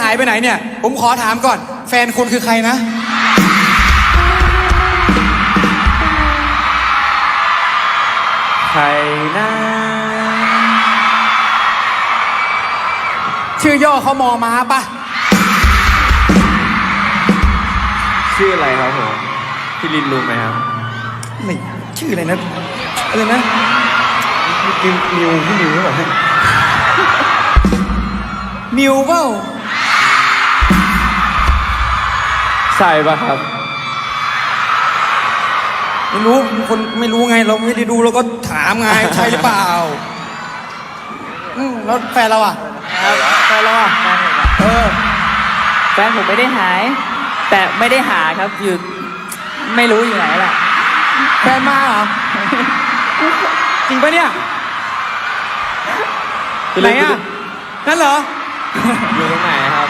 ายไปไหนเนี่ยผมขอถามก่อนแฟนคุณคือใครนะใครนะชื่อย่อเขามอม้าปะชื่ออะไรครับผมพี่ลินรู้ไหมครับไม่ชื่ออะไรนะอะไรนะนิวพี่นิวหรือเปล่านิวเปล่าใช่ปะครับไม่รู้คนไม่รู้ไงเราไม่ได้ดูเราก็ถามไงใช่หรือเปล่าแล้วแฟนเราอ่ะแฟนเราอ่ะแฟนผมไม่ได้หาย แต่ไม่ได้หาครับอยู่ไม่รู้อยู่ไหนแหละแฟนมาเหรอจริงปะเนี่ยไหนอ่ะนั่นเหรออยู่ตรงไหนครับ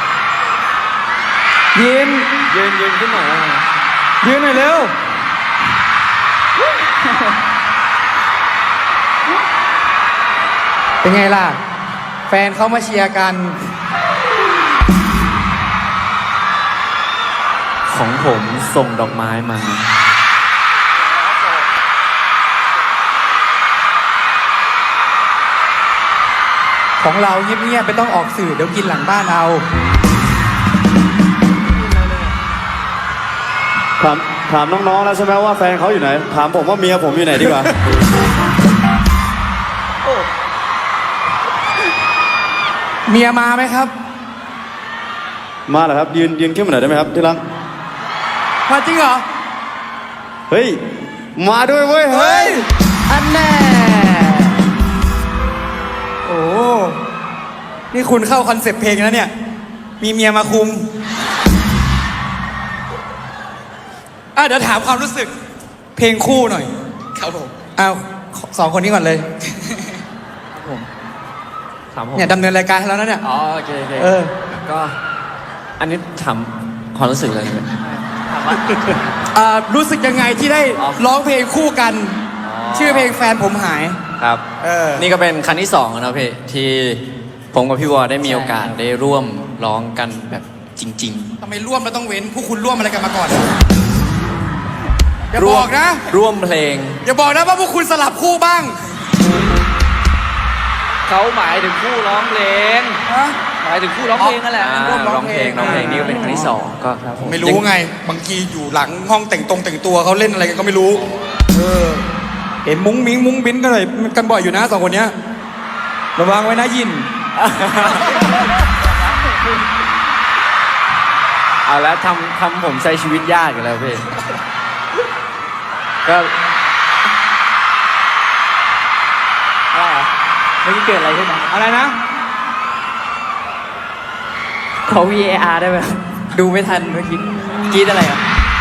ยืนขึ้นหน่อยยืนหน่อยเร็วเป็นไงล่ะแฟนเขามาเชียร์กันของผมส่งดอกไม้มาของเราเงียบๆไม่ต้องออกสื่อเดี๋ยวกินหลังบ้านเอาถามน้องๆแล้วใช่ไหมว่าแฟนเขาอยู่ไหนถามผมว่าเมียผมอยู่ไหนดีกว่าเมียมาไหมครับมาเหรอครับยืนขึ้นมาหน่อยได้ไหมครับที่รักมาจริงเหรอเฮ้ยมาด้วยเว้ยเฮ้ยอันแน่โอ้นี่คุณเข้าคอนเซปต์เพลงแล้วเนี่ยมีเมียมาคุมเดี๋ยวถามความรู้สึกเพลงคู่หน่อยครับผมสองคนนี้ก่อนเลยถามผมเนี่ยดำเนินรายการให้แล้วนะเนี่ยโอเคก็อันนี้ถามความรู้สึกอะไรเนี่ยรู้สึกยังไงที่ได้ร้องเพลงคู่กันชื่อเพลงแฟนผมหายครับนี่ก็เป็นครั้งที่2นะพี่ที่ผมกับพี่วอได้มีโอกาสได้ร่วมร้องกันแบบจริงๆทำไมร่วมแล้วต้องเว้นพวกคุณร่วมอะไรกันมาก่อนอย่าบอกนะร่วมเพลงอย่าบอกนะว่าพวกคุณสลับคู่บ้างเขาหมายถึงคู่ร้องเพลงหมายถึงคู่ร้องเพลงนั่นแหละร้องเพลงนี่ก็เป็นครั้งที่2ก็ไม่รู้ไงบางทีอยู่หลังห้องแต่งตัวเขาเล่นอะไรกันก็ไม่รู้เห็นมุ้งบิ้นกันเลยกันบ่อยอยู่นะ2คนเนี้ยระวังไว้นะยินเอาแล้วทำผมใช้ชีวิตยากอยู่แล้วพี่ก็เมื่อกี้เกิดอะไรขึ้นนะอะไรนะขอ VAR ได้ไหมดูไม่ทันเมื่อกี้กรี๊ดอะไรอ่ะ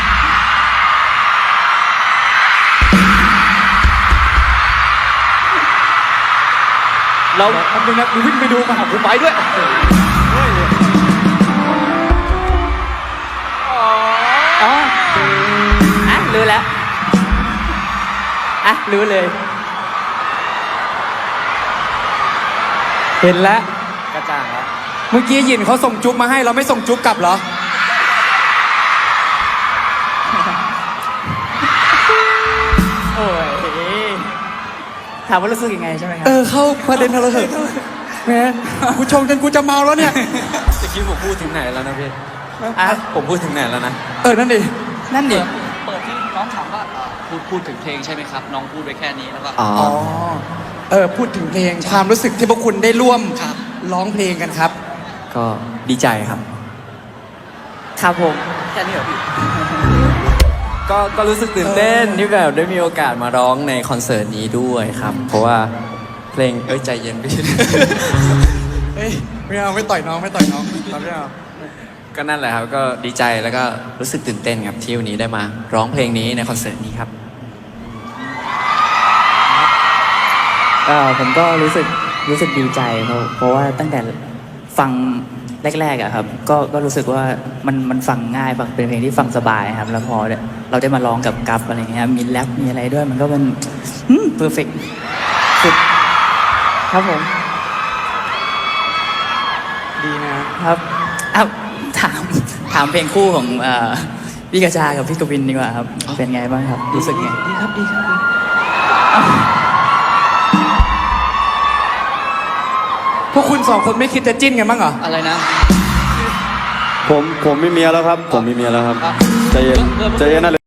เราทำดูนะดูวิ่งไปดูมาหาผมไปด้วยรู้แล้วรู้เลยเห็นแล้วกระจ่างแล้วเมื่อกี้ยินเขาส่งจุ๊บมาให้เราไม่ส่งจุ๊บกลับเหรอโอ้ยถามว่ารู้สึกยังไงใช่ไหมครับเข้าประเด็นเราเถอะแม่กูชงจนกูจะเมาแล้วเนี่ยจะคิดผมพูดถึงไหนแล้วนะพี่ผมพูดถึงไหนแล้วนะนั่นดิเปิดที่น้องถามว่าพูดถึงเพลงใช่ไหมครับน้องพูดไว้แค่นี้แล้วก็พูดถึงเพลงความรู้สึกที่พวกคุณได้ร่วมร้องเพลงกันครับก็ดีใจครับครับผมแค่นี้เหรอพี่ก็รู้สึกตื่นเต้นที่แบบได้มีโอกาสมาร้องในคอนเสิร์ตนี้ด้วยครับเพราะว่าเพลงใจเย็นพี่ไม่เอาไม่ต่อยน้องไม่เอาก็นั่นแหละครับก็ดีใจแล้วก็รู้สึกตื่นเต้นครับที่วันนี้ได้มาร้องเพลงนี้ในคอนเสิร์ตนี้ครับผมก็รู้สึกดีใจเพราะว่าตั้งแต่ฟังแรกๆอะครับก็รู้สึกว่ามันฟังง่ายเป็นเพลงที่ฟังสบายครับแล้วพอเราได้มาร้องกับกัฟอะไรเงี้ยมีแรปมีอะไรด้วยมันก็เป็นเพอร์เฟกต์สุดครับผมดีนะครับอ้าวถามเพลงคู่ของพี่กระชากับพี่กวินดีกว่าครับ เป็นไงบ้างครับ รู้สึกไงดีครับดีครับ พวกคุณสองคนไม่คิดจะจิ้นกันบ้างเหรออะไรนะผมมีเมียแล้วครับ ผมมีเมียแล้วครับใจเย็นใจเย็นนะ